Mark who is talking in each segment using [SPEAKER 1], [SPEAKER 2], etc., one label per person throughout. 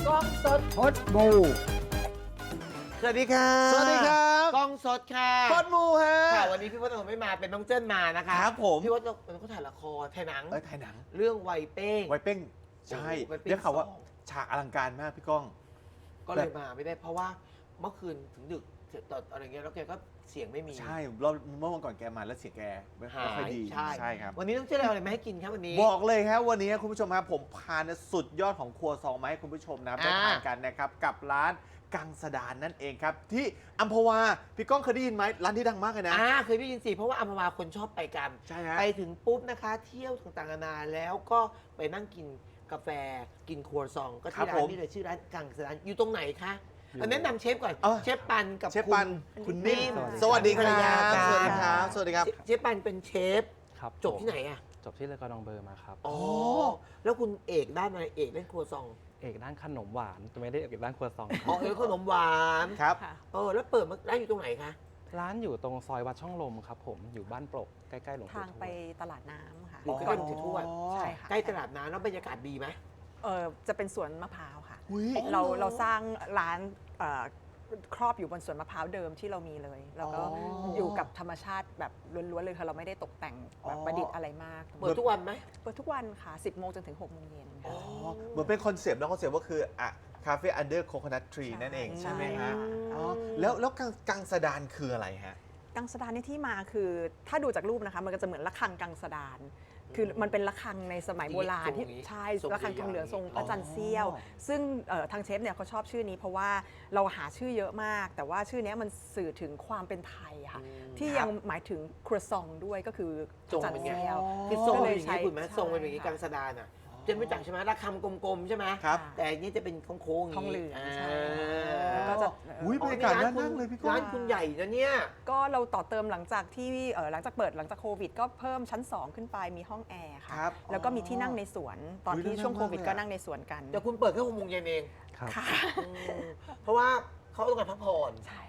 [SPEAKER 1] กล้องสด
[SPEAKER 2] พดมู
[SPEAKER 1] สวัสดีค่ะ
[SPEAKER 2] สวัสดีครับ
[SPEAKER 1] กล้องสดค่ะ
[SPEAKER 2] พดมูฮะ
[SPEAKER 1] ค่ะวันนี้พี่พจน์ไม่มาเป็นน้องเจิ้นมานะคะ
[SPEAKER 2] ครับผม
[SPEAKER 1] พี่พจน์เขาถ่ายละครถ่ายหนัง
[SPEAKER 2] ถ่ายหนัง
[SPEAKER 1] เรื่องไวเป้ง
[SPEAKER 2] ไวเป้งใช่
[SPEAKER 1] ไวเป้ง
[SPEAKER 2] เรียกเขาว่า
[SPEAKER 1] สอง
[SPEAKER 2] ฉากอลังการมากพี่ก้อง
[SPEAKER 1] ก็เลยมาไม่ได้เพราะว่าเมื่อคืนถึงดึกตอนอะไรเงี้ยแล้วแกก็เสียงไม่มี
[SPEAKER 2] ใช่เราเมื่อวันก่อนแกมาแล้วเสียงแกไม่
[SPEAKER 1] หา
[SPEAKER 2] ค่อย
[SPEAKER 1] ย
[SPEAKER 2] ดี
[SPEAKER 1] ใช่
[SPEAKER 2] ครับ
[SPEAKER 1] วันนี้ต้องเจิ้นเอาอะไรมาให้กินครับวันนี้
[SPEAKER 2] บอกเลยครับวันนี้คุณผู้ชมครับผมพาสุดยอดของครัวซองมาให้คุณผู้ชมนะได้ทานกันนะครับกับร้านกังสดานนั่นเองครับที่อัมพวาพี่ก้องเคยได้ยินไหมร้านที่ดังมากเลยนะ
[SPEAKER 1] เคยได้ยินสิเพราะว่าอัมพวาคนชอบไปกัน
[SPEAKER 2] ใช่ฮะ
[SPEAKER 1] ไปถึงปุ๊บนะคะ เที่ยวต่างๆนานาแล้วก็ไปนั่งกินกาแฟกินครัวซอง ก็ที่ร้านนี้เลยชื่อร้านกังสดานอยู่ตรงไหนคะแนะนำเชฟก่อนเชฟปันกับ
[SPEAKER 2] เชฟปันคุณนิ่ม
[SPEAKER 1] สวัสดี
[SPEAKER 2] ค
[SPEAKER 1] ค
[SPEAKER 2] รั
[SPEAKER 1] รับ บ
[SPEAKER 2] สวัสดีครับสวัสดีครับ
[SPEAKER 1] เชฟปันเป็นเชฟ
[SPEAKER 3] ครับ
[SPEAKER 1] จบที่ไหนอ่ะ
[SPEAKER 3] จบที่เลอกอร์ดองเบอร์มาครับ
[SPEAKER 1] อ๋อแล้วคุณเอกด้านอะไรเอกเล่นครัวซอง
[SPEAKER 3] เอกด้านขนมหวานแต่ไม่ได้เอกด้านครัวซองค
[SPEAKER 1] อ๋
[SPEAKER 3] รั
[SPEAKER 1] อบ เอกขนมหวาน
[SPEAKER 2] ครับ
[SPEAKER 1] แล้วเปิดมาร้านอยู่ตรงไหนคะ
[SPEAKER 3] ร้านอยู่ตรงซอยวัดช่องลมครับผมอยู่บ้านโปรกใกล้ๆหลวงปู่
[SPEAKER 4] ทาง
[SPEAKER 3] ทว
[SPEAKER 4] ไป
[SPEAKER 3] ด
[SPEAKER 4] ตลาดน้ำค่ะ
[SPEAKER 1] อยู่ใกล้ๆหลวงปู่ทวด
[SPEAKER 4] ใช่ค่ะ
[SPEAKER 1] ใกล้ตลาดน้ำแล้วบรรยากาศดีไหม
[SPEAKER 4] จะเป็นสวนมะพร้าวค่ะ
[SPEAKER 2] อุ๊ย
[SPEAKER 4] เราสร้างร้านครอบอยู่บนสวนมะพร้าวเดิมที่เรามีเลย แล้วก็อยู่กับธรรมชาติแบบล้วนๆเลยค่ะเราไม่ได้ตกแต่งแบบประดิษฐ์อะไรมาก
[SPEAKER 1] เปิดทุกวันไหม
[SPEAKER 4] เปิดทุกวันค่ะ 10 โมงจนถึง 6 โมงเย็นค่ะ
[SPEAKER 2] เหมือนเป็นคอนเซปต์แล้วคอนเซปต์ก็คือคาเฟ่อันเดอร์โคโคนัททรี
[SPEAKER 4] ใช่
[SPEAKER 2] นั่นเองใช่ไหม
[SPEAKER 4] ใช่
[SPEAKER 2] ฮะ
[SPEAKER 4] ค่ะ
[SPEAKER 2] อ๋อแล้วกังสดานคืออะไรฮะ
[SPEAKER 4] กังสดานนี่ที่มาคือถ้าดูจากรูปนะคะมันก็จะเหมือนระฆังกังสดานคือมันเป็นระฆังในสมัยโบราณที่ใช่ระฆังทองเหลืองทรงพระจันทร์เสี้ยว ซึ่งทางเชฟเนี่ยเขาชอบชื่อนี้เพราะว่าเราหาชื่อเยอะมาก แต่ว่าชื่อนี้มันสื่อถึงความเป็นไทยค่ะที่ยังหมายถึงครัวซองด้วยก็คือพ
[SPEAKER 1] ทร
[SPEAKER 4] ระ
[SPEAKER 1] ง
[SPEAKER 4] จันท
[SPEAKER 1] เป็น
[SPEAKER 4] ร์
[SPEAKER 1] ไง
[SPEAKER 4] เสี้ยว
[SPEAKER 1] คือทรง
[SPEAKER 4] ก็
[SPEAKER 1] เป็นอย่างนี้คุณไหม
[SPEAKER 4] ใช่
[SPEAKER 1] ทรงเป็นอย่างนี้
[SPEAKER 4] ค่ะ
[SPEAKER 1] กังสดานอ่ะเจนไม่จักใช่ไหมระคำกลมๆใช่ไหม
[SPEAKER 2] ครับ
[SPEAKER 1] แต่อันนี้จะเป็นโค้งๆ
[SPEAKER 4] ทองเหลือง
[SPEAKER 1] า
[SPEAKER 4] ใช่แล้วก็จะ
[SPEAKER 2] อุ้ยบรรยากาศน่านั่งเลยพี่ก้อ
[SPEAKER 1] ร้าง นคุณใหญ่นะเนี่ย
[SPEAKER 4] ก็เราต่อเติมหลังจากที่หลังจากโควิด ก็เพิ่มชั้น 2 ขึ้นไปมีห้องแอร์ค่ะ
[SPEAKER 2] ครับ
[SPEAKER 4] แล้วก็มีที่นั่งในสวนตอน
[SPEAKER 2] อุ๊ย
[SPEAKER 4] ที่ช่วง
[SPEAKER 2] น่า
[SPEAKER 4] โควิด
[SPEAKER 2] มากเลย
[SPEAKER 4] ก็
[SPEAKER 2] อะ
[SPEAKER 4] นั่งในสวนกัน
[SPEAKER 1] แต่คุณเปิดแค่6 โมงเย็นเอง
[SPEAKER 3] ครับ
[SPEAKER 4] ค่ะ
[SPEAKER 1] เพราะว่าเขาต้องการพักผ่อน
[SPEAKER 4] ใช่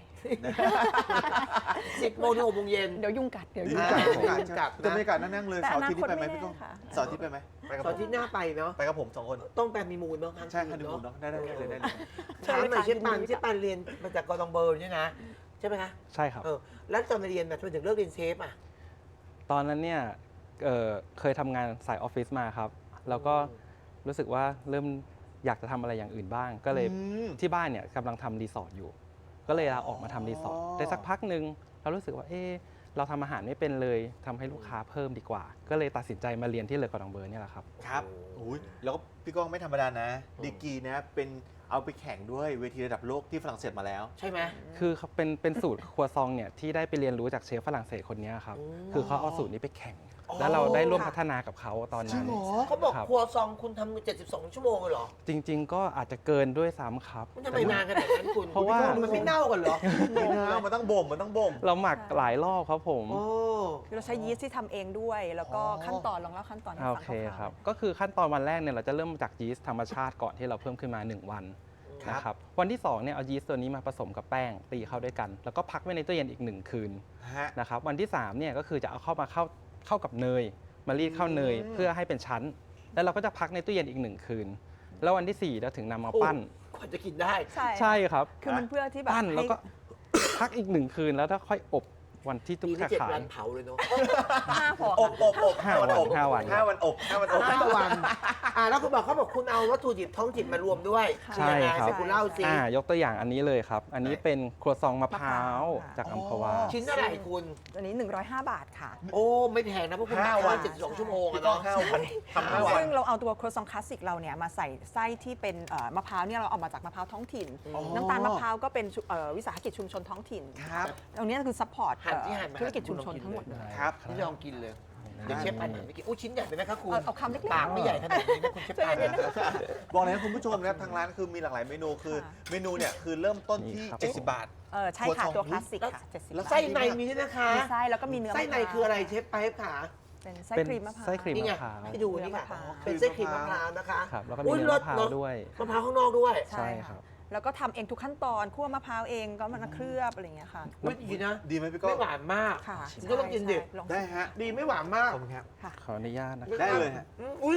[SPEAKER 1] 10 โมงถึง6 โมงเย็น
[SPEAKER 4] เดี๋ยวยุ่งกัดเดี๋ยว
[SPEAKER 2] ดี
[SPEAKER 4] ยุ่ง
[SPEAKER 2] จั
[SPEAKER 4] กั
[SPEAKER 2] ง
[SPEAKER 4] ด
[SPEAKER 2] จังแต่บรรยากาศน่านั่งเลย
[SPEAKER 4] แต่
[SPEAKER 2] เสาร์อาทิตย์นี้ไปไหม
[SPEAKER 4] อนาคตไม่
[SPEAKER 2] พี่ก้อง
[SPEAKER 4] แน่ค่ะ
[SPEAKER 2] เสาร์อาทิตย์ไปไหมไปกับ
[SPEAKER 1] ต
[SPEAKER 2] ผ
[SPEAKER 1] อน
[SPEAKER 2] ม
[SPEAKER 1] ที่หน้าไปเนาะ
[SPEAKER 2] ไปกับผม2 คน
[SPEAKER 1] ต้องแปลมีมูลเนาะ
[SPEAKER 2] ใช่ฮันนีมูนเนาะได้เลยได้เลย
[SPEAKER 1] ถามหน่อยเชฟปันเรียนมาจากกอร์ดองเบอร์ใช่ไหมใช่ไหมคะ
[SPEAKER 3] ใช่ครับ
[SPEAKER 1] แล้วตอนเรียนทำไมถึงเลิกเรียนเชฟอ่ะ
[SPEAKER 3] ตอนนั้นเนี่ยเคยทำงานสายออฟฟิศมาครับ แล้วก็รู้สึกว่าเริ่มอยากจะทำอะไรอย่างอื่นบ้าง ก็เลยที่บ้านเนี่ยกำลังทำรีสอร์ทอยู่ ก็เลยลาออกมาทำรีสอร์ทได้สักพักหนึ่งเรารู้สึกว่าเราทำอาหารไม่เป็นเลยทำให้ลูกค้าเพิ่มดีกว่า ก็เลยตัดสินใจมาเรียนที่เลอกอร์ดองเบอร์เนี่ยแหละครับ
[SPEAKER 2] ครับอุ้ยแล้วก็พี่ก้องไม่ธรรมดานะดีกรีนะเป็นเอาไปแข่งด้วยเวทีระดับโลกที่ฝรั่งเศสมาแล้ว
[SPEAKER 1] ใช่ไหม
[SPEAKER 3] คือเขาเป็นสูตรครัวซองเนี่ยที่ได้ไปเรียนรู้จากเชฟฝรั่งเศสคนนี้ครับ คือเขาเอาสูตรนี้ไปแข่ง แล้วเราได้ร่วมพัฒนากับเขาตอนนั้น
[SPEAKER 1] เขาบอก
[SPEAKER 3] ครับ
[SPEAKER 1] ครัวซองคุณทำ72 ชั่วโมงเลยเหรอ
[SPEAKER 3] จริง ๆ ก็อาจจะเกินด้วยซ้ำครับ
[SPEAKER 1] มันทำไมนานขนาดนั้นคุณ
[SPEAKER 3] เพราะว่า
[SPEAKER 1] มันไม่เน่ากันเหรอ
[SPEAKER 2] มันต้องบ่ม
[SPEAKER 3] เราหมักหลายรอบครับผม
[SPEAKER 1] โอ้
[SPEAKER 4] คือเราใช้ยีสต์ที่ทำเองด้วย แล้วก็ขั้นตอนลองเล่าขั้นตอนให้
[SPEAKER 3] โอ
[SPEAKER 4] ฟัง
[SPEAKER 3] เค
[SPEAKER 4] คร่าวๆ
[SPEAKER 3] ครับ ก็คือขั้นตอนวันแรกเนี่ยเราจะเริ่มจากยีสต์ธรรมชาติก่อนที่เราเพิ่มขึ้นมา 1 วันนะครับ วันที่2เนี่ยเอายีสต์ตัวนี้มาผสมกับแป้งตีเข้าด้วยกัน แล้วก็พักไว้ในตู้เย็นอีก1 คืน
[SPEAKER 2] ฮะ
[SPEAKER 3] นะครับ วันที่3เนี่ยก็คือจะเอาเข้ากับเนย มารีดเข้าเนยเพื่อให้เป็นชั้น แล้วเราก็จะพักในตู้เย็นอีก1 คืน แล้ววันที่4เราถึงนำมาปั้น
[SPEAKER 1] กว่าจะกินได้
[SPEAKER 4] ใช่
[SPEAKER 3] ครับ
[SPEAKER 4] คือมันเพื่อที่แบบ
[SPEAKER 3] ปั้นแล้วก็
[SPEAKER 4] ให้
[SPEAKER 3] พักอีก1 คืนแล้วถ้าค่อยอบวันที่ทุก
[SPEAKER 1] ปี
[SPEAKER 3] ขา
[SPEAKER 1] นี้7
[SPEAKER 3] ขาย
[SPEAKER 1] วันเผาเลยเนาะ
[SPEAKER 4] ห้าพอ
[SPEAKER 2] อบ
[SPEAKER 3] 5 วัน5 วัน
[SPEAKER 2] 5 วันอบ
[SPEAKER 1] 5 วันแล้วคุณบอกเขาบอกคุณเอาวัตถุดิบท้องถิ่นมารวมด้วย
[SPEAKER 3] ใช่ครับ
[SPEAKER 1] แต่คุณเล่าสิ
[SPEAKER 3] ยกตัวอย่างอันนี้เลยครับ อันนี้เป็นครัวซองมะพร้าวจากอัมพวา
[SPEAKER 1] ชิ้นเท่าไหร่คุณ
[SPEAKER 4] อันนี้ 105 บาทค่ะ
[SPEAKER 1] โอ้ไม่แพงนะเพราะคุณ
[SPEAKER 2] 5 วัน
[SPEAKER 1] 72 ชั่วโมง
[SPEAKER 2] พี่
[SPEAKER 1] อะ
[SPEAKER 2] ก้อง
[SPEAKER 1] เนาะ
[SPEAKER 2] 5 วันทำ5 วัน
[SPEAKER 4] ซึ่งเราเอาตัวครัวซองคลาสสิกเราเนี่ยมาใส่ไส้ที่เป็นมะพร้าวเนี่ยเราเอามาจากมะพร้าวท้องถิ่น น้ำตาลมะพร้าวก็เป็นวิสาหกิจชุมชนท้องถิ่น
[SPEAKER 2] ครับ
[SPEAKER 4] ตรงนี้คือซัพพอร์ต
[SPEAKER 1] หั่นที่หั่นมา
[SPEAKER 4] ธุรกิจชุมชนทั้งหมดเลย
[SPEAKER 2] ครับ
[SPEAKER 1] ที่ลองกินเลยเดี๋ยวเชฟปันไม่กินอู้ชิ้นใหญ่ไปไหมครับคุณ
[SPEAKER 4] เอาคำเล็กๆ
[SPEAKER 1] ปากไม่ใหญ่ขนาดนี้นะคุณเชฟปัน
[SPEAKER 2] บอกเลยนะคุณผู้ชมนะครับทางร้านคือมีหลากหลายเมนูคือ
[SPEAKER 4] ค่ะ
[SPEAKER 2] เมนูเนี่ยคือเริ่มต้นที่
[SPEAKER 3] นี่ครับ
[SPEAKER 2] 70 บาท
[SPEAKER 4] ใช่ค่ะ ตัวคลาสสิกค่ะ70
[SPEAKER 1] แล้ว
[SPEAKER 4] บาท
[SPEAKER 1] ไส้ในมีด้วยนะคะ
[SPEAKER 4] มีไส้แล้วก็มีเนื้อ
[SPEAKER 1] ไส้ในคืออะไรเชฟไปขา
[SPEAKER 4] เป็นไส้
[SPEAKER 3] เป็น
[SPEAKER 4] ครีมมะพร้าว
[SPEAKER 3] ไส้ครีม
[SPEAKER 1] นี่ไง
[SPEAKER 3] มะพร้าว
[SPEAKER 1] ให้ดูนี่ค่ะ
[SPEAKER 4] มะพร้าว
[SPEAKER 1] เป็นไส้ครีมมะพร้าวนะคะ
[SPEAKER 3] ครับแล้วก็มีเนื้อมะพร้าวด้วย
[SPEAKER 1] มะพร้าวข้างนอกด้วย
[SPEAKER 3] ใช่ครับ
[SPEAKER 4] แล้วก็ทำเองทุกขั้นตอนคั่วมะพร้าวเองก็มันเคลือบอะไรอย่างเงี้ยค่ะ
[SPEAKER 1] อุ๊ยดีนะ
[SPEAKER 2] ดีไหมพี่ก้อ
[SPEAKER 1] ไม่
[SPEAKER 2] ง
[SPEAKER 1] หวานมาก
[SPEAKER 4] ค่ะ
[SPEAKER 1] ก็ต้องกินดิ
[SPEAKER 4] ใช่ลอง
[SPEAKER 2] ได้ฮะ
[SPEAKER 1] ดีไม่หวานมาก
[SPEAKER 2] ขอบคุณครับ
[SPEAKER 4] ค่ะ
[SPEAKER 3] ขออนุญาตนะค
[SPEAKER 2] ได้
[SPEAKER 3] รับ
[SPEAKER 2] เลยฮะ
[SPEAKER 1] อุ้ย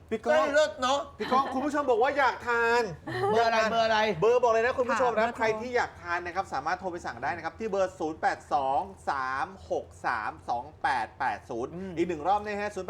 [SPEAKER 2] พี่ก้
[SPEAKER 1] ใกล้
[SPEAKER 2] อง
[SPEAKER 1] เลิศเนาะ
[SPEAKER 2] พี่ก้องคุณผู้ชมบอกว่าอยากทาน
[SPEAKER 1] เบอร์อะไรเบอร์อะไร
[SPEAKER 2] เบอร์บอกเลยนะคุณผู้ชม
[SPEAKER 4] ค่ะ
[SPEAKER 2] นะ
[SPEAKER 4] เบอร์โทร
[SPEAKER 2] ใครที่อยากทานนะครับสามารถโทรไปสั่งได้นะครับ ที่เบอร์ 0823632880 อีกหนึ่งรอบนะฮะ 0823632880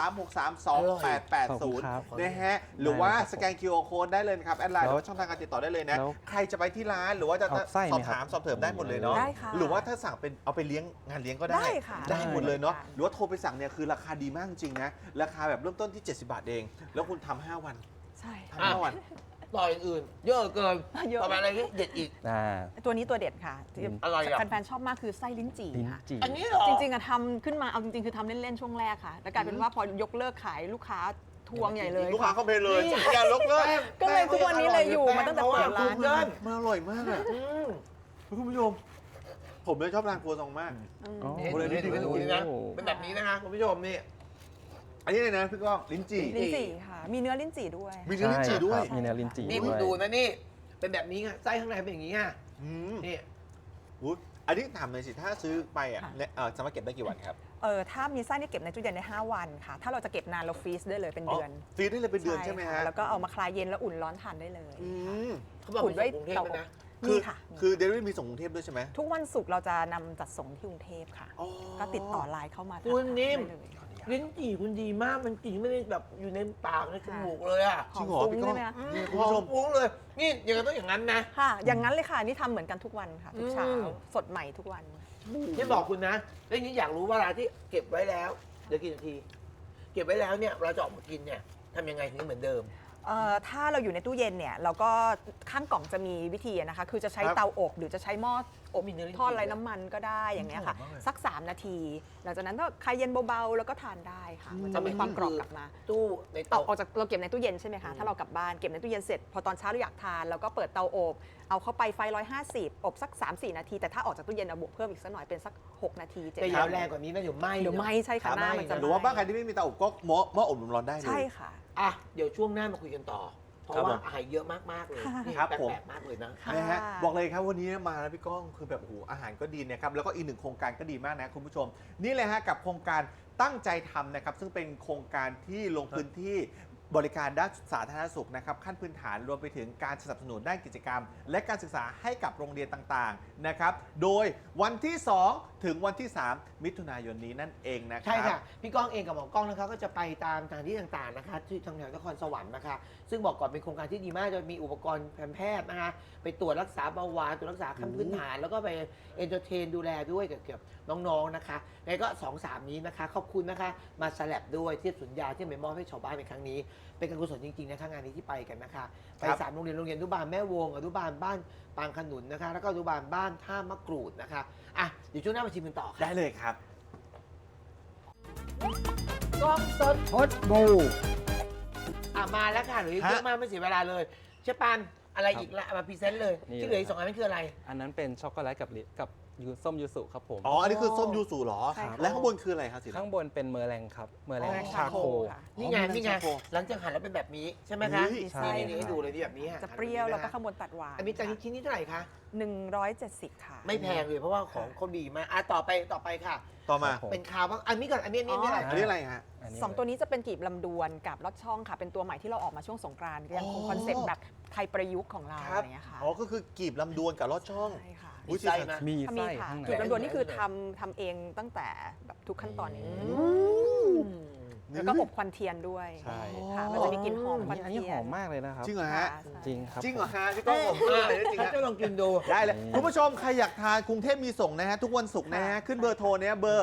[SPEAKER 2] นะฮะ หรือว่าสแกน QR Code ได้เลยนะครับ แอดไลน์หรือว่าช่องทางการติดต่อได้เลยนะ
[SPEAKER 3] แล้ว
[SPEAKER 2] ใครจะไปที่ร้านหรือว่าจะ
[SPEAKER 3] เอาไส้
[SPEAKER 2] สอบ
[SPEAKER 3] ไหมครับ
[SPEAKER 2] ถามสอบเถิมได้หมดเลยเนาะ
[SPEAKER 4] ได้ค่ะ
[SPEAKER 2] หรือว่าถ้าสั่งเป็นเอาไปเลี้ยงงานเลี้ยงก็ได้
[SPEAKER 4] ได้ค่ะ
[SPEAKER 2] ได้หมดเลยเนาะ
[SPEAKER 4] ได้
[SPEAKER 2] หรือว่าโทรไปสั่งเนี่ยคือราคาดีมากจริงนะ ราคาแบบเริ่มต้นที่ 70 บาทเอง แล้วคุณทำ5 วัน
[SPEAKER 4] ใช่
[SPEAKER 2] ทำ5 วัน
[SPEAKER 1] ต่ออย่างอื่น เยอะเกิน
[SPEAKER 4] เยอะ
[SPEAKER 1] ต่อไปอะไรที่เด็ดอีก
[SPEAKER 4] ตัวนี้ตัวเด็ดค่ะที่
[SPEAKER 1] อะไรอ่ะ
[SPEAKER 4] แฟนๆชอบมากคือไส้ลิ้นจี่
[SPEAKER 3] ลิ้น
[SPEAKER 4] ค่ะ
[SPEAKER 3] จี่
[SPEAKER 1] อันนี้เหรอ
[SPEAKER 4] จริงๆอะทำขึ้นมาเอาจริงๆคือทำเล่นๆช่วงแรกค่ะ แล้วกลายเป็นว่าพอยกเลิกขายลูกค้าทวงใหญ่เลย
[SPEAKER 2] ลูกค้า
[SPEAKER 4] ค่ะ
[SPEAKER 2] เข้าไปเลย
[SPEAKER 1] นี่
[SPEAKER 2] อย่าลกเลย
[SPEAKER 4] ก็เลยทุกวันนี้เลยอยู่มาตั้งแต่เปิดร้าน
[SPEAKER 1] เดิน
[SPEAKER 2] มันอร่อยมากอะ
[SPEAKER 1] อืม
[SPEAKER 2] คุณผู้ชม ผมเลยชอบทานครัวซองมาก
[SPEAKER 4] อืม
[SPEAKER 3] อ๋อ
[SPEAKER 1] เห็น
[SPEAKER 2] คนละนิด
[SPEAKER 1] เห็น
[SPEAKER 2] คนละนิด
[SPEAKER 1] นี่นะเป็นแบบนี้นะคะคุณผู้ชมนี่
[SPEAKER 2] อันนี้เลยนะพี่ก้องลิ้นจี่
[SPEAKER 4] ลิ้นจี่ค่ะ มีเนื้อลิ้นจี่ด้วย
[SPEAKER 2] มีเนื้อลิ้นจี่ด้วย
[SPEAKER 3] ใช่ครับมีเนื้อลิ้นจี่
[SPEAKER 1] นี่
[SPEAKER 3] ด้
[SPEAKER 1] คุณ
[SPEAKER 3] วย
[SPEAKER 1] ดูนะนี่ เป็นแบบนี้ค่ะไส้ข้างในเป็นอย่างนี้ค่ะ
[SPEAKER 2] อืม
[SPEAKER 1] นี่
[SPEAKER 2] อุ๊ยอันนี้ถามเลยสิ ถ้าซื้อไปอ่ะ
[SPEAKER 4] ค่ะ
[SPEAKER 2] เนี่ยสามารถเก็บได้กี่วันครับ
[SPEAKER 4] ถ้ามีไส้นี่เก็บในตู้เย็นได้5 วันค่ะ ถ้าเราจะเก็บนานเราฟรีซได้เลยเป็นเดือน
[SPEAKER 2] ฟรีได้เลยเป็นเดือนใช่ไหม
[SPEAKER 4] ค่
[SPEAKER 2] ฮะ
[SPEAKER 4] แล้วก็เอามาคลายเย็นแล้วอุ่นร้อนทานได้เลย
[SPEAKER 2] อืม
[SPEAKER 1] เขาบอก
[SPEAKER 4] อุ่นด้วย
[SPEAKER 1] มีส่งกรุงเทพ
[SPEAKER 4] เตา
[SPEAKER 1] ด้วยนะ
[SPEAKER 2] คื
[SPEAKER 4] มี
[SPEAKER 2] อ
[SPEAKER 4] ค่ะ
[SPEAKER 2] คือเดลิเวอรี่มีส่งกรุงเทพด้วยใช่ไหม
[SPEAKER 4] ทุกวันศุกร์เราจะนำจัดส่งที่กรุงเทพค่ะ
[SPEAKER 2] อ๋อ
[SPEAKER 4] ก็ติดต่อไลน์เข้ามา
[SPEAKER 1] คุณนิ่ม
[SPEAKER 4] ได้เลย
[SPEAKER 1] ลิ้นจี่คุณดีมาก มันจริงไม่ได้แบบอยู่ในปากในจมูกเลยอ่ะ
[SPEAKER 2] จริงเหรอ
[SPEAKER 4] หอม
[SPEAKER 2] พี่
[SPEAKER 4] ฟุ้
[SPEAKER 2] ก้อง
[SPEAKER 4] ใช่ไหมคะ
[SPEAKER 2] นี่คุณ
[SPEAKER 1] หอ
[SPEAKER 2] ผู้ช
[SPEAKER 1] ม
[SPEAKER 2] ม
[SPEAKER 1] ฟุ้งเลย นี่อย่างนั้นต้องอย่างนั้นนะ
[SPEAKER 4] ค่ะ อย่างนั้นเลยค่ะ นี่ทำเหมือนกันทุกวันค่ะ ทุกเช้า
[SPEAKER 1] อืม
[SPEAKER 4] สดใหม่ทุกวัน
[SPEAKER 1] ที่บอกคุณนะแล้วทีนี้อยากรู้ว่าเวลาที่เก็บไว้แล้วเดี๋ยวกี่นาที เก็บไว้แล้วเนี่ยเราจะออกมากินเนี่ยทำยังไงถึงเหมือนเดิม
[SPEAKER 4] ถ้าเราอยู่ในตู้เย็นเนี่ยเราก็ข้างกล่องจะมีวิธีนะคะ คือจะใช้
[SPEAKER 2] ครับ
[SPEAKER 4] เตาอบหรือจะใช้หม้ออบ
[SPEAKER 1] มีเนื้อลิ้นจี่
[SPEAKER 4] ทอดไร้น้ำมันก็ได้อย่างเงี้ยค่ะ
[SPEAKER 2] หอมมากเลย
[SPEAKER 4] สัก 3 นาที หลังจากนั้นก็คลายเย็นเบาๆ แล้วก็ทานได้ค่ะ มันจะมีความกรอบกลับมา
[SPEAKER 1] ตู้ใน
[SPEAKER 4] เอา
[SPEAKER 1] เตา
[SPEAKER 4] ออกจากเราเก็บในตู้เย็นใช่ไหมคะ ถ้าเรากลับบ้านเก็บในตู้เย็นเสร็จ พอตอนเช้าเราอยากทานเราก็เปิดเตาอบ เอาเข้าไปไฟ 150 อบสัก 3-4 นาที แต่ถ้าออกจากตู้เย็นเอาบวกเพิ่มอีกสักหน่อยเป็นสัก 6 นาที 7
[SPEAKER 1] แต่
[SPEAKER 4] นา
[SPEAKER 1] อย่า
[SPEAKER 4] ที
[SPEAKER 1] แรงกว่านี้นะเดี๋ยวไหม้
[SPEAKER 4] เดี๋ยวไหม้ใช่ค่ะหน้ามันจะ
[SPEAKER 2] หรือว่าบ้านใครที่ไม่มีเตาอบก็หม้ออบลมร้อนได้เลย
[SPEAKER 4] ใช่ค่ะ
[SPEAKER 1] อ่ะเดี๋ยวช่วงหน้ามาคุยกันต่อ เพราะ
[SPEAKER 2] ครับ
[SPEAKER 1] ว่า
[SPEAKER 2] ผม
[SPEAKER 1] อาหารเยอะมากๆเลย
[SPEAKER 4] ค่ะ
[SPEAKER 1] นี่
[SPEAKER 2] ครับผม
[SPEAKER 1] แปลกๆมากเลยนะ
[SPEAKER 4] ค่ะ
[SPEAKER 2] นะฮะบอกเลยครับวันนี้มาแล้วพี่ก้องคือแบบโอ้โหอาหารก็ดีนะครับแล้วก็อีกหนึ่งโครงการก็ดีมากนะคุณผู้ชม นี่เลยฮะกับโครงการตั้งใจทำนะครับซึ่งเป็นโครงการที่ลงพื้นที่บริการด้านสาธารณสุขนะครับขั้นพื้นฐานรวมไปถึงการสนับสนุนด้านกิจกรรม และการศึกษาให้กับโรงเรียนต่างๆนะครับโดยวันที่ 2 ถึงวันที่ 3 มิถุนายนนี้นั่นเองนะครั
[SPEAKER 1] ใช่ค่ะ พี่ก้องเองกับหมอกล้องนะคะก็จะไปตามสถานที่ต่างๆนะคะที่ทางแถวนครสวรรค์นะคะ ซึ่งบอกก่อนเป็นโครงการที่ดีมากจะมีอุปกรณ์แพทย์นะคะไปตรวจรักษาเบาหวานตรวจรักษาขั้นพื้นฐาน แล้วก็ไปเอนเตอร์เทนดูแลด้วยเกี่ยวกับน้องๆนะคะไงก็ 2-3 นี้นะคะขอบคุณนะคะมาสลับด้วยเทียบสุญญาที่ไปมอบให้ชาวบ้านในครั้งนี้ เป็นการกุศลจริงๆนะคะงานนี้ที่ไปกันนะคะไป
[SPEAKER 2] ครับ
[SPEAKER 1] 3 โรงเรียนอนุบาลแม่วงอนุบาลบ้านปางขนุนนะคะแล้วก็อนุบาลบ้านท่ามะกรูดนะคะอ่ะเดี๋ยวช่วงหน้ามาชิมกันต่อค่ะ
[SPEAKER 2] ได้เลยครับ
[SPEAKER 1] กล้องสด
[SPEAKER 3] พดบู
[SPEAKER 1] มาแล้วค่ะเหลืออีก
[SPEAKER 2] ฮะ
[SPEAKER 1] เยอะมากไม่เสียเวลาเลยเชฟปันอะไร
[SPEAKER 3] ครับ
[SPEAKER 1] อีกละมาพรีเซนต์เลย
[SPEAKER 3] นี่
[SPEAKER 1] ที่เหลืออีก
[SPEAKER 3] เลย
[SPEAKER 1] 2 อันนั้นคืออะไร
[SPEAKER 3] อันนั้นเป็นช็อกโกแลตกับส้มยูสุครับผม
[SPEAKER 2] อ๋ออันนี้คือส้มยูสุเหรอ
[SPEAKER 4] ใช่ค่ะ
[SPEAKER 2] และข้างบนคืออะไรครับสี
[SPEAKER 3] ข้างบนเป็นเมอร์แรงครับ เมอร์แรง
[SPEAKER 1] อ๋อ
[SPEAKER 3] ชาโค
[SPEAKER 4] ค่ะ
[SPEAKER 1] นี่ไง
[SPEAKER 2] อ๋อ
[SPEAKER 1] นี่ไง
[SPEAKER 2] ชาโค
[SPEAKER 1] หลังจากหั่นแล้วเป็นแบบนี้ใช่ไหมคะ
[SPEAKER 2] อุ้ย
[SPEAKER 3] ใช่
[SPEAKER 1] นี่ให้ดูเลยที่แบบนี้ฮ
[SPEAKER 4] จะเปรี้ยวแล้วก็
[SPEAKER 1] หั่
[SPEAKER 4] ข้างบนตัดหวาน
[SPEAKER 1] อันนี้จานชิ้นนี้เท่าไหร่คะ
[SPEAKER 4] 170 ค่ะ
[SPEAKER 1] ไม่แพงเลยเพราะว่าของเขาดีมากต่อไปค่ะ
[SPEAKER 2] ต่อมา
[SPEAKER 3] ครับผม
[SPEAKER 1] เป็นคาวบ้างอันนี้ก่อนอันนี้นี่อะไร
[SPEAKER 2] อันนี้อะไรฮะ
[SPEAKER 3] อันนี้
[SPEAKER 4] สองตัวนี้จะเป็นกีบลำดวนกับลอดช่องค่ะ เป็นตัวใหม่ที่เราออกมาช่วงสงกรานต์ยังคงคอนเซ็ปต์แบบไทยประยุกต์ของเรา
[SPEAKER 2] ค
[SPEAKER 4] อะ
[SPEAKER 2] รับ
[SPEAKER 4] ไรอย่างเงี้ยค่ะ
[SPEAKER 2] อ๋อก็คือกีบลำดวนกับลอดช่อง
[SPEAKER 4] ใช่ค่ะ
[SPEAKER 2] อุ๊ย
[SPEAKER 1] มีไส้ไหม
[SPEAKER 3] มี
[SPEAKER 4] ถ้ามี
[SPEAKER 3] ไส้
[SPEAKER 4] ค่ะ
[SPEAKER 3] ข้างใน
[SPEAKER 4] กีบลำดวนนี่คือทำเองตั้งแต่แบบทุกขั้นตอนเอง แล้วก็อบควันเทียนด้วย
[SPEAKER 3] ใช่
[SPEAKER 4] ค่ะมันจะมีกลิ่นหอมควัน
[SPEAKER 3] อันนี้
[SPEAKER 4] เที
[SPEAKER 3] ห
[SPEAKER 4] ย
[SPEAKER 3] อน มมากเลยนะครับ
[SPEAKER 2] จริงเหรอฮะ
[SPEAKER 4] ค่ะใช่
[SPEAKER 3] จริงครับ
[SPEAKER 2] จริงเหรอ
[SPEAKER 3] ผม
[SPEAKER 2] ฮะพี่ก้องผมพูดเลยจริงฮะ
[SPEAKER 1] จะลองกินดู
[SPEAKER 2] ได้เลยคุณผู้ชมใครอยากทานกรุงเทพมีส่งนะฮะทุกวันศุกร์นะฮะ
[SPEAKER 4] ค่ะ
[SPEAKER 2] ขึ้นเบอร์โทรเนี่ยเบอร์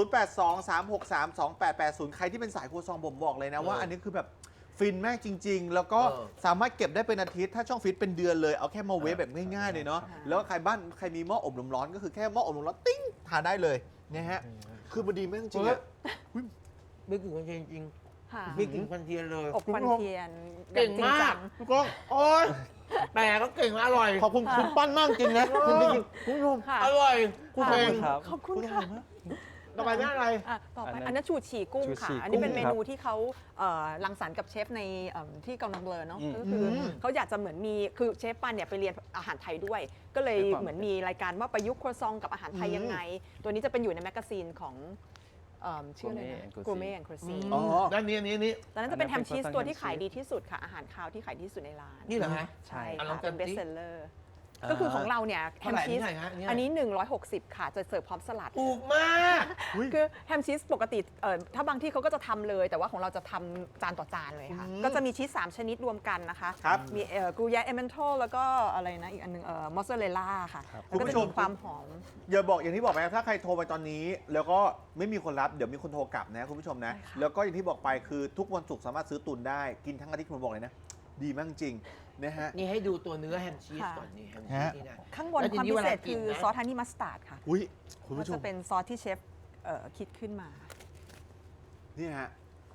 [SPEAKER 2] 0823632880 ใครที่เป็นสายครัวซองผมบอกเลยนะว่า
[SPEAKER 1] เอออั
[SPEAKER 2] อันนี้คือแบบฟินมากจริง ๆ แล้วก็
[SPEAKER 1] เออ
[SPEAKER 2] สามารถเก็บได้เป็นอาทิตย์ถ้าช่องฟิตเป็นเดือนเลยเอาแค่มาเวฟแบบง่ายๆเลยเนาะ
[SPEAKER 4] ค่ะ
[SPEAKER 2] แล้วใครมีหม้ออบลมร้อนก็คือแค่หม้ออบลมร้อนติ้งทานได้เลยนะฮะคือมันดีมากจริงๆอะ
[SPEAKER 1] ไม่กลิ่นควันเทียนจริง
[SPEAKER 4] ค่ะ
[SPEAKER 1] ไม่กลิ่นควันเทียนเลย
[SPEAKER 4] อบควันเทียน
[SPEAKER 1] เก่งมาก
[SPEAKER 2] พี่ก้อง
[SPEAKER 1] โอ๊ยแต่ก็เก่งอร่อย
[SPEAKER 2] ขอบคุณคุณปั้นมากจริงนะจริงๆคุณผู้ชม
[SPEAKER 4] ค่ะ
[SPEAKER 1] อร่อย
[SPEAKER 2] คุณ
[SPEAKER 3] ขอบ
[SPEAKER 2] เอ
[SPEAKER 3] คุ
[SPEAKER 2] ง
[SPEAKER 3] ณครับ
[SPEAKER 4] ขอบคุณค่ะ
[SPEAKER 1] ต่อไปเป็นอะไร
[SPEAKER 4] อ่ะต่อไป
[SPEAKER 3] อันนั้น
[SPEAKER 4] อันนั้นชูชีกุ้ง
[SPEAKER 3] ชู
[SPEAKER 4] ค่ะ
[SPEAKER 3] ชี
[SPEAKER 4] อันนี้เป็น
[SPEAKER 3] กุ้
[SPEAKER 4] เม
[SPEAKER 3] งครับ
[SPEAKER 4] นูที่เขารังสรรค์กับเชฟในที่กองนำเบลอเนาะ
[SPEAKER 3] อืม
[SPEAKER 4] ก็คือเขาอยากจะเหมือนมีคือเชฟปันเนี่ยไปเรียนอาหารไทยด้วย ก็เลย
[SPEAKER 3] ด้วยความ
[SPEAKER 4] เหมือนมีรายการว่าประยุกต์ครัวซองกับอาหารไทยยังไง ตัวนี้จะเป็นอยู่ในแมกกาซีนของชื่ออะไรนะ
[SPEAKER 3] Gourmet and
[SPEAKER 4] กูเม่แอนด์ครูซี
[SPEAKER 2] อ๋อ
[SPEAKER 1] ด้านนี้อันนี้
[SPEAKER 4] ตอนนั้นจะเป็นแฮมชีส
[SPEAKER 3] อันนั้นเป็น
[SPEAKER 4] ตัวที่
[SPEAKER 3] croissant
[SPEAKER 4] ขายดีที่สุดค่ะ อาหารคาวที่ขายดีที่สุดในร้าน
[SPEAKER 1] นี่เหรอฮะ
[SPEAKER 4] ใช่
[SPEAKER 1] อ่ะลอง
[SPEAKER 4] ค่ะ
[SPEAKER 1] กัน
[SPEAKER 4] เป็นเบส
[SPEAKER 1] สิ
[SPEAKER 4] เซลเลอร์ก็คือของเราเนี่ยแฮ
[SPEAKER 1] เท่าม ไหร่
[SPEAKER 4] ชีส
[SPEAKER 1] นี่เท่าไหร่ฮะเนี่ย
[SPEAKER 4] อันนี้ 160 ค่ะ จะเสิร์ฟพร้อมสลัด
[SPEAKER 1] ถูกมาก
[SPEAKER 4] คือแฮมชีสปกติถ้าบางที่เขาก็จะทำเลย แต่ว่าของเราจะทำจานต่อจานเลยค่ะ ก็จะมีชีส3ชนิดรวมกันนะคะ
[SPEAKER 2] ครับ
[SPEAKER 4] มีกรูยาเอเมนโทแล้วก็อะไรนะอีกอันหนึงมอสซาเรลล่าค่ะ แล้วก็
[SPEAKER 2] คุณผู้
[SPEAKER 4] จะ
[SPEAKER 2] ชม
[SPEAKER 4] มีความหอม
[SPEAKER 2] อย่าบอกอย่างที่บอกไปครับถ้าใครโทรไปตอนนี้ แล้วก็ไม่มีคนรับเดี๋ยวมีคนโทรกลับนะคุณผู้ชมนะ
[SPEAKER 4] ใช่ค่ะ
[SPEAKER 2] แล้วก็อย่างที่บอกไปคือทุกวันศุกร์สามารถซื้อตุนได้กินทั้งอาทิตย์ผมบอกเลยนะ ดีมากจริงนะฮะ
[SPEAKER 1] นี่ให้ดูตัวเนื้อแฮมชีสก่อนนี่แฮมชีสนี่นะ
[SPEAKER 4] ข้างบน
[SPEAKER 1] แล้วที
[SPEAKER 4] ความ
[SPEAKER 1] นี้
[SPEAKER 4] พิเศษ
[SPEAKER 1] เวลากิน
[SPEAKER 4] คือ
[SPEAKER 1] นะ
[SPEAKER 4] ซอสฮันนี่มัสตาร์ดค่ะ
[SPEAKER 2] อุ้ยคุณ
[SPEAKER 4] ก็
[SPEAKER 2] ผู้ช
[SPEAKER 4] จะ
[SPEAKER 2] ม
[SPEAKER 4] เป็นซอสที่เชฟคิดขึ้นมา
[SPEAKER 2] นี่ฮะ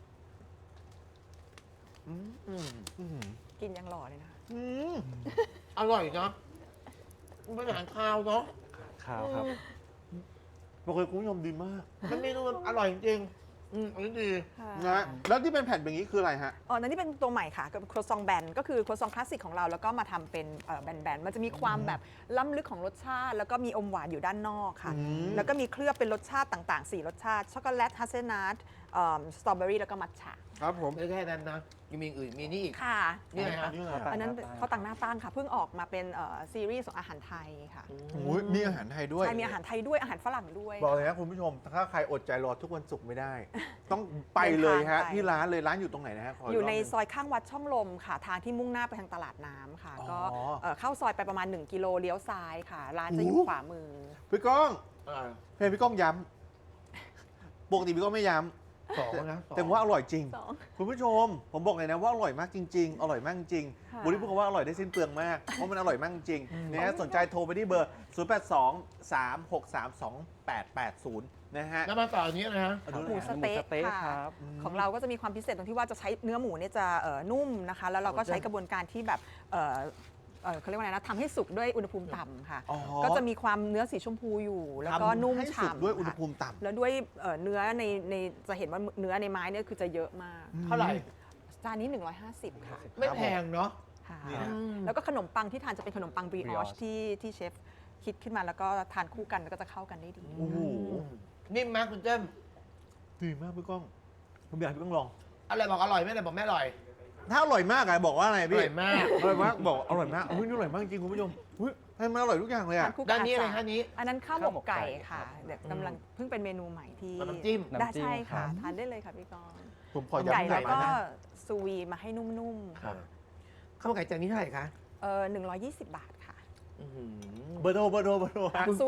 [SPEAKER 1] อืม
[SPEAKER 2] อื้อหือ
[SPEAKER 4] กินยังหล่อเลยนะคะ
[SPEAKER 2] อืม
[SPEAKER 1] อร่อยเนาะมันเป็นอาหารคาวเนาะ
[SPEAKER 3] ข้าวครับ
[SPEAKER 2] บอกเลยคุณผู้ชมดีมาก
[SPEAKER 1] มันเมนูมันอร่อยจริงอันนี้ดี
[SPEAKER 2] นะแล้วที่เป็นแผ่นแบบนี้คืออะไรฮะ
[SPEAKER 4] อ๋อนั่นนี่เป็นตัวใหม่ค่ะกับครัวซองแบนก็คือครัวซองคลาสสิกของเราแล้วก็มาทำเป็นแบนๆมันจะมีความแบบล้ำลึกของรสชาติ แล้วก็มีอมหวานอยู่ด้านนอกค่ะ
[SPEAKER 2] อืม
[SPEAKER 4] แล้วก็มีเคลือบเป็นรสชาติต่างๆ 4 รสชาติ ช็อกโกแลตฮัสเซลนัทสตรอเบอรี่แล้วก็มัทฉะ
[SPEAKER 2] ครับผม
[SPEAKER 1] ไม่ใช่แค่นั้นนะยังมีอย่างอื่นมีนี่อีก
[SPEAKER 4] ค่ะ
[SPEAKER 1] นี่ไงฮะ
[SPEAKER 2] นี่ไง
[SPEAKER 4] อันนั้นเขาวต่างหน้าตั้งค่ะ เพิ่งออกมาเป็นซีรีส์ของอาหารไทยค่ะ
[SPEAKER 2] โอ้ยมีอาหารไทยด้วย
[SPEAKER 4] ใช่มีอาหารไทยด้วยอาหารฝรั่งด้วย
[SPEAKER 2] บอกเลยนะคุณผู้ชม ถ้าใครอดใจรอทุกวันศุกร์ไม่ได้ ต้องไปเลยฮะ
[SPEAKER 4] เดินทางไป
[SPEAKER 2] ที่ร้านเลยร้านอยู่ตรงไหนนะฮะข
[SPEAKER 4] อยู่ใน
[SPEAKER 2] กรบหง
[SPEAKER 4] ซอยข้างวัดช่องลมค่ะ ทางที่มุ่งหน้าไปทางตลาดน้ำค่ะ
[SPEAKER 2] อ๋อ
[SPEAKER 4] ก็เข้าซอยไปประมาณ 1 กิโลเลี้ยวซ้ายค่ะ ร้านจะอยู่
[SPEAKER 2] โอ้
[SPEAKER 4] ขวามือ
[SPEAKER 2] พี่ก้อง
[SPEAKER 1] อ่า
[SPEAKER 2] เพจพี่ก้องย้ำปกติพี่ก้องไม่ย้
[SPEAKER 1] สองนะ
[SPEAKER 2] ำแต่ว่าอร่อยจริง
[SPEAKER 4] สอง
[SPEAKER 2] คุณผู้ชม ผมบอกเลยนะว่าอร่อยมากจริง ๆ อร่อยมากจริง
[SPEAKER 4] ค่ะ
[SPEAKER 2] วันนี้พูดคำว่าอร่อยได้สิ้นเปลืองมาก เพราะมันอร่อยมากจริงนะฮะสนใจโทรไปที่เบอร์ 0823632880 นะฮะ
[SPEAKER 1] แล้วมาต่ออันนี้นะฮะ
[SPEAKER 2] เอาดู
[SPEAKER 4] หมู
[SPEAKER 2] เลย
[SPEAKER 4] ส
[SPEAKER 2] ฮะ
[SPEAKER 4] เต๊ะ
[SPEAKER 3] หมูสเต๊ะ
[SPEAKER 4] ค่ะ
[SPEAKER 3] ครับ
[SPEAKER 4] ของเราก็จะมีความพิเศษตรงที่ว่าจะใช้เนื้อหมูเนี่ยจะนุ่มนะคะ แล้วเราก็ใช้กระบวนการที่แบบเขาเรียกว่าไงนะทำให้สุกด้วยอุณหภูมิต่ำค่ะ
[SPEAKER 2] อ๋อ
[SPEAKER 4] ก็จะมีความเนื้อสีชมพูอยู่ แล้วก็นุ่ม
[SPEAKER 2] ทำให้สุก
[SPEAKER 4] ฉ่ำ
[SPEAKER 2] ด้วยอุณห
[SPEAKER 4] ค่ะ
[SPEAKER 2] ภูมิต่ำ
[SPEAKER 4] แล้วด้วยเนื้อในจะเห็นว่าเนื้อในไม้เนี่ยคือจะเยอะมาก
[SPEAKER 1] เท่าไหร่
[SPEAKER 4] จานนี้ 150 ค่ะ
[SPEAKER 1] ไม่แพงเนาะ
[SPEAKER 4] ค่ะ
[SPEAKER 2] นี่ฮะ
[SPEAKER 4] แล้วก็ขนมปังที่ทานจะเป็นขนมปังบริออช
[SPEAKER 3] brioche
[SPEAKER 4] ที่เชฟคิดขึ้นมาแล้วก็ทานคู่กันแล้วก็จะเข้ากันได้ดี
[SPEAKER 2] โอ้โห
[SPEAKER 1] นิ่มมากคุณเจ้ม
[SPEAKER 2] ดีมากพี่ก้องผมอยากให้พี่ก้องลอง
[SPEAKER 1] อะไรบอกอร่อยไม่อะไรบอกไม่อร่อย
[SPEAKER 2] ถ้าอร่อยมากอะบอกว่าอะไร
[SPEAKER 1] อ
[SPEAKER 2] พี่
[SPEAKER 1] ร่อยมาก
[SPEAKER 2] อร่อยมากบอกอร่อยมากอุ้ยนี่อร่อยมากจริงคุณผู้ชมอุ้ยให้มันอร่อยทุกอย่างเลย
[SPEAKER 4] ทา
[SPEAKER 2] อะ
[SPEAKER 4] นคู่กั
[SPEAKER 1] ด้านนี้อะไร
[SPEAKER 4] จ
[SPEAKER 1] คะนี้
[SPEAKER 4] อันนั้นข้าวหมกไก่ค่ะ
[SPEAKER 3] ครับ
[SPEAKER 4] เดี๋ยวกำลังเพิ่งเป็นเมนูใหม่ที่
[SPEAKER 1] น้ำจิ้ม
[SPEAKER 4] ได้
[SPEAKER 3] น้ำจิ้ม
[SPEAKER 4] ใช่ค่ะ
[SPEAKER 3] ครับ
[SPEAKER 4] ทานได้เลยค่ะพี่กรณ์
[SPEAKER 2] ผมขอ
[SPEAKER 4] ไก่
[SPEAKER 2] ย้ำ
[SPEAKER 4] แล้วก็
[SPEAKER 2] นะ
[SPEAKER 4] ซูวีมาให้นุ่มๆค่ะ
[SPEAKER 1] ข้าวมันไก่จานนี้เท่าไหร่คะ
[SPEAKER 4] 120 บาทค่ะ
[SPEAKER 2] เบอร์โทรเบอร์โทรเบอร์โทร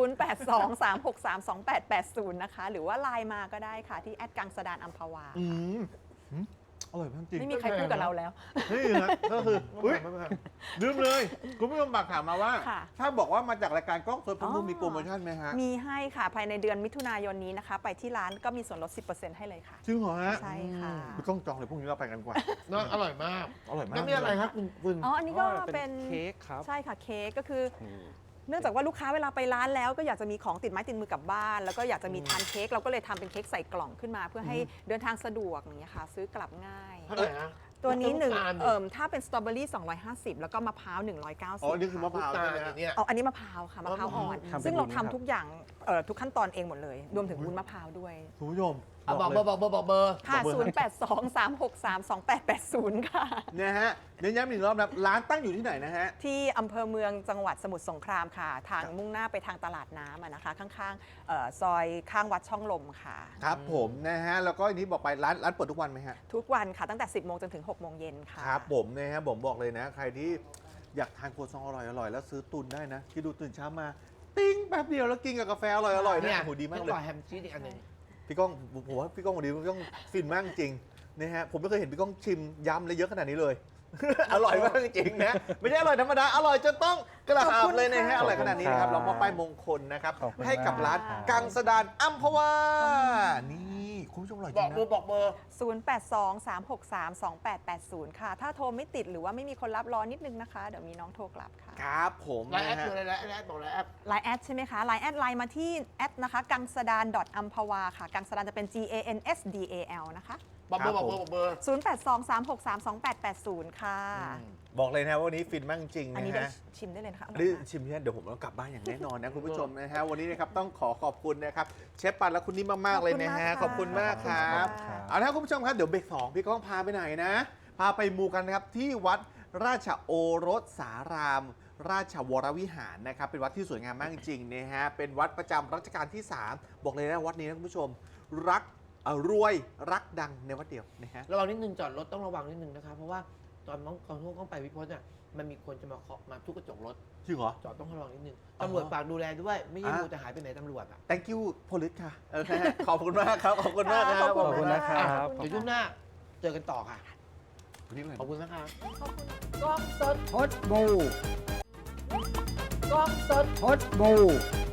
[SPEAKER 4] 0823632880 นะคะ หรือว่าไลน์มาก็ได้ค่ะที่แอดกังสดานอัมพวา
[SPEAKER 2] อืมอร่อยมากจริง
[SPEAKER 4] ไม่มีใครพูดกับเราแล้ว
[SPEAKER 2] นี่ฮะก็คืออุ้ยลืมเลยคุณผู้ชมฝากถามมาว่า
[SPEAKER 4] ค่ะ
[SPEAKER 2] ถ้าบอกว่ามาจากรายการกล้องสดพมู
[SPEAKER 4] อ๋อ
[SPEAKER 2] มีโปรโมชั่นไหมฮะ
[SPEAKER 4] มีให้ค่ะ ภายในเดือนมิถุนายนนี้นะคะ ไปที่ร้านก็มีส่วนลด 10%ให้เลยค่ะ
[SPEAKER 2] จริงเหรอฮะ
[SPEAKER 4] ใช่ค่ะ
[SPEAKER 2] พี่ก้องจองเลยพรุ่งนี้เราไปกันดีกว่า
[SPEAKER 1] เนอะอร่อยมาก
[SPEAKER 2] อร่อยมาก
[SPEAKER 1] แล้วนี่อะไรครับคุณ
[SPEAKER 4] อ๋อ อันนี้ก็เป็น
[SPEAKER 3] เค้กครับ
[SPEAKER 4] ใช่ค่ะเค้กก็คือ
[SPEAKER 3] นี่
[SPEAKER 4] เนื่องจากว่าลูกค้าเวลาไปร้านแล้วก็อยากจะมีของติดไม้ติดมือกลับบ้าน แล้วก็อยากจะมีทานเค้กเราก็เลยทำเป็นเค้กใส่กล่องขึ้นมา เพื่อให้เดินทางสะดวกอย่างเงี้ยค่ะ ซื้อกลับง่าย
[SPEAKER 1] เท่าไหร่ฮะ
[SPEAKER 4] ตัวนี้หนึ่ง
[SPEAKER 1] ำตาล
[SPEAKER 4] ถ้าเป็นสตรอเบอรี่250 แล้วก็มะพร้าว
[SPEAKER 2] อ๋อ นี่คือมะ
[SPEAKER 4] 190
[SPEAKER 2] พร้าว
[SPEAKER 1] ตา
[SPEAKER 2] ใช่
[SPEAKER 1] ล
[SPEAKER 2] ไหม
[SPEAKER 1] อ
[SPEAKER 2] ฮะ
[SPEAKER 1] ย่างเนี้ย
[SPEAKER 4] เอาอันนี้มะพร้าวค่ะมะพร้าวอ่อน
[SPEAKER 3] ทำเป็น
[SPEAKER 4] ซึ่งเรา
[SPEAKER 3] วุ้น
[SPEAKER 4] ทำ
[SPEAKER 3] ครับ
[SPEAKER 4] ทุกอย่างทุกขั้นตอนเองหมดเลย รวมถึงวุ้นมะพร้าวด้วย
[SPEAKER 2] คุณผู้ชม
[SPEAKER 1] เอาบอก
[SPEAKER 2] เล
[SPEAKER 1] เบอย ร์บอกเบอร์
[SPEAKER 4] ค่ะ
[SPEAKER 2] บอกเบอร์
[SPEAKER 4] 0823632880 ค่ะ
[SPEAKER 2] นะฮะเน้นย้ำอีกรอบนะร้านตั้งอยู่ที่ไหนนะฮะ
[SPEAKER 4] ที่อำเภอเมืองจังหวัดสมุทรสงครามค่ะ ทางมุ่งหน้าไปทางตลาดน้ำอะนะคะ ข้างๆซอยข้างวัดช่องลมค่ะ
[SPEAKER 2] ครับผมนะฮะ แล้วก็อย่างที่บอกไปร้านเปิดทุกวันไหมฮะ
[SPEAKER 4] ทุกวันค่ะ ตั้งแต่ 10 โมงจนถึง 6 โมงเย็นค่ะ
[SPEAKER 2] ครับผมนะฮะผมบอกเลยนะ ใครที่อยากทานครัวซองอร่อยๆแล้วซื้อตุนได้นะคิดดูตื่นเช้ามา ติ้งแป๊บเดียวแล้วกินกับกาแฟอร่อยๆ
[SPEAKER 1] เนี่
[SPEAKER 2] เนี่ย ยโหดีมากเลย
[SPEAKER 1] อร่อยแฮมชีสอีกอันหนึ่ง
[SPEAKER 2] พี่ก้องผมว่าพี่ก้องวันนี้พี่ก้องฟินมากจริงนะฮะผมไม่เคยเห็นพี่ก้องชิมยำเลยเยอะขนาดนี้เลย อร่อยมากจริงๆนะไม่ใช่อร่อยธรรมดาอร่อยจนต้องกระ
[SPEAKER 4] ขอบ
[SPEAKER 2] หา
[SPEAKER 4] คุ
[SPEAKER 2] บ
[SPEAKER 4] ณ
[SPEAKER 2] เลยนะฮะ
[SPEAKER 4] ค่ะ
[SPEAKER 2] อร่อยขนาดนี้นะครับเรามอบป้ายมงคลนะครับ
[SPEAKER 3] ขอบคุณ
[SPEAKER 2] ให้กับร้าน
[SPEAKER 3] มาก
[SPEAKER 2] กังสดานอัมพวานี่คุณผู้ชมอร่อยจ
[SPEAKER 1] บ
[SPEAKER 2] ริ
[SPEAKER 1] อก
[SPEAKER 2] ง
[SPEAKER 1] เบอ
[SPEAKER 2] นะ
[SPEAKER 1] ร์บอกเบอร์
[SPEAKER 4] 0823632880 ค่ะ ถ้าโทรไม่ติดหรือว่าไม่มีคนรับรอนิดนึงนะคะ เดี๋ยวมีน้องโทรกลับค่ะ
[SPEAKER 2] ครับผม
[SPEAKER 1] ไลน์แอ
[SPEAKER 2] นะ
[SPEAKER 1] ด
[SPEAKER 2] ฮะ
[SPEAKER 1] คืออะไรไลน์แอดบอกไลน์แอด
[SPEAKER 4] ไลน์แอดใช่ไหมคะไลน์แอดไลน์มาที่แอดนะคะกังสดาน .amphawa ค่ะ กังสดานจะเป็น GANSDAL นะคะ
[SPEAKER 1] บอกเบอร์บอกเบอร์บอกเบอร์
[SPEAKER 4] 0823632880 ค่ะ
[SPEAKER 2] บอกเลยนะว่าวันนี้ฟินมากจริง
[SPEAKER 4] อันนี้
[SPEAKER 2] นะ
[SPEAKER 4] ได้
[SPEAKER 2] ฮะ
[SPEAKER 4] ชิมได้เลยนะคะอร่อย
[SPEAKER 2] ได้
[SPEAKER 4] มาก
[SPEAKER 2] ชิมเนี่ยเดี๋ยวผมต้องกลับบ้านอย่างแน่นอนนะคุณผู้ชมนะฮะวันนี้นะครับต้องขอบคุณนะครับเชฟปันและคุณนิ่มมากๆเลยนะฮะข
[SPEAKER 4] ข
[SPEAKER 2] อ
[SPEAKER 4] อ
[SPEAKER 2] บบ
[SPEAKER 4] คุ
[SPEAKER 2] คุณ
[SPEAKER 4] ณ
[SPEAKER 2] มาม
[SPEAKER 4] าก ก
[SPEAKER 2] ค
[SPEAKER 4] ค่ะ
[SPEAKER 2] รับ
[SPEAKER 4] ค่ะ
[SPEAKER 2] เอาละครับคุณผู้ชมครับเดี๋ยวเบรก2พี่ก้องพาไปไหนนะ พาไปมูกันนะครับที่วัดราชโอรสสาราม ราชวรวิหารนะครับเป็นวัดที่สวยงามมากจริงๆนะฮะเป็นวัดประจำรัชกาลที่ 3 บอกเลยนะวัดนี้นะคุณผู้ชมรักรวยรักดังในวัดเดียวนะฮะ
[SPEAKER 1] ระวังนิดนึงจอดรถต้องระวังนิดนึงนะคะเพราะว่าตอนก่อนที่ต้องไปวิพจน์เนี่ยมันมีคนจะมาเคาะมาทุบกระจกรถ
[SPEAKER 2] จริงเหรอ
[SPEAKER 1] จอดต้องระวังนิดนึง
[SPEAKER 2] อ๋อ
[SPEAKER 1] ตำรวจฝากดูแลด้วย ไม่ใช่
[SPEAKER 2] อ่ะ
[SPEAKER 1] ดูแต่หายไปไหนตำรวจอ่ะ
[SPEAKER 2] thank you police ค่ะโอเคขอบคุณมากครับขอบคุณมากครับ
[SPEAKER 4] ขอบ
[SPEAKER 3] ขอบคุณนะครับ
[SPEAKER 1] เดี๋ยวช่วงหน้าเจอกันต่อค่ะ
[SPEAKER 2] วันนี้เลย
[SPEAKER 1] ขอบคุณนะคะ
[SPEAKER 5] พดบูพดบู